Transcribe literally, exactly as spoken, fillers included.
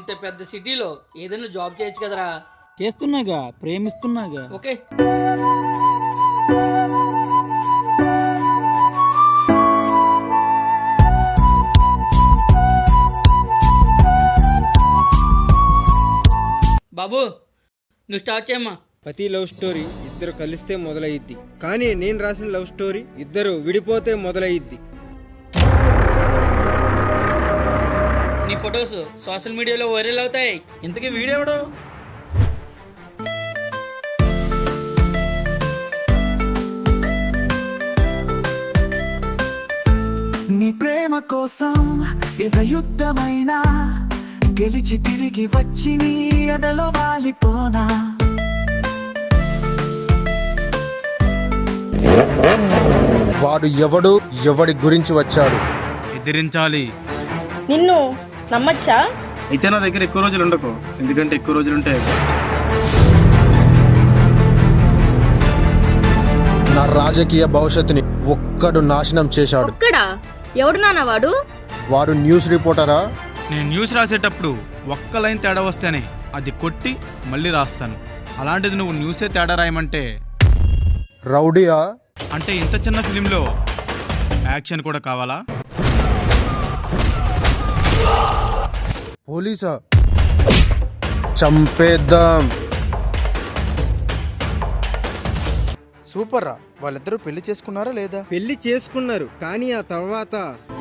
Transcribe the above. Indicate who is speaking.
Speaker 1: ఇంత పెద్ద సిటీలో ఏదైనా జాబ్ చేయొచ్చు కదరా.
Speaker 2: చేస్తున్నాగా, ప్రేమిస్తున్నాగా.
Speaker 1: ఓకే. బాబు నువ్వు స్టార్ట్ చేయమ్మా.
Speaker 3: ప్రతి లవ్ స్టోరీ ఇద్దరు కలిస్తే మొదలయ్యిద్ది, కానీ నేను రాసిన లవ్ స్టోరీ ఇద్దరు విడిపోతే మొదలయ్యిద్ది.
Speaker 1: నీ ఫొటోస్ సోషల్ మీడియాలో వైరల్ అవుతాయి.
Speaker 2: ఇంతకీ వీడెవడు?
Speaker 4: నీ ప్రేమ కోసం ఎద యుద్ధమైనా గెలిచి తిరిగి వచ్చి నీ ఎదలో వాలిపోనా.
Speaker 5: వాడు ఎవడు, ఎవడి గురించి వచ్చాడు?
Speaker 6: ఎదిరించాలి.
Speaker 7: నిన్ను నమ్మచ్చా?
Speaker 6: అయితే నా దగ్గర ఎక్కువ రోజులు ఉండకు, ఎందుకంటే ఎక్కువ రోజులు ఉంటాయి.
Speaker 5: నా రాజకీయ భవిష్యత్తుని ఒక్కడు నాశనం చేశాడు.
Speaker 7: ఒక్కడా? ఎవడు నాన్న వాడు?
Speaker 5: వాడు న్యూస్ రిపోర్టరా?
Speaker 6: నేను న్యూస్ రాసేటప్పుడు ఒక్క లైన్ తేడా వస్తేనే అది కొట్టి మళ్ళీ రాస్తాను. అలాంటిది నువ్వు న్యూసే తేడా రాయమంటే
Speaker 5: రౌడీయా?
Speaker 6: అంటే ఇంత చిన్న ఫిలింలో యాక్షన్ కూడా కావాలా?
Speaker 5: పోలీసా? చంపేద్దాం.
Speaker 8: సూపర్ రా. వాళ్ళిద్దరూ పెళ్లి చేసుకున్నారా లేదా?
Speaker 3: పెళ్లి చేసుకున్నారు, కానీ ఆ తర్వాత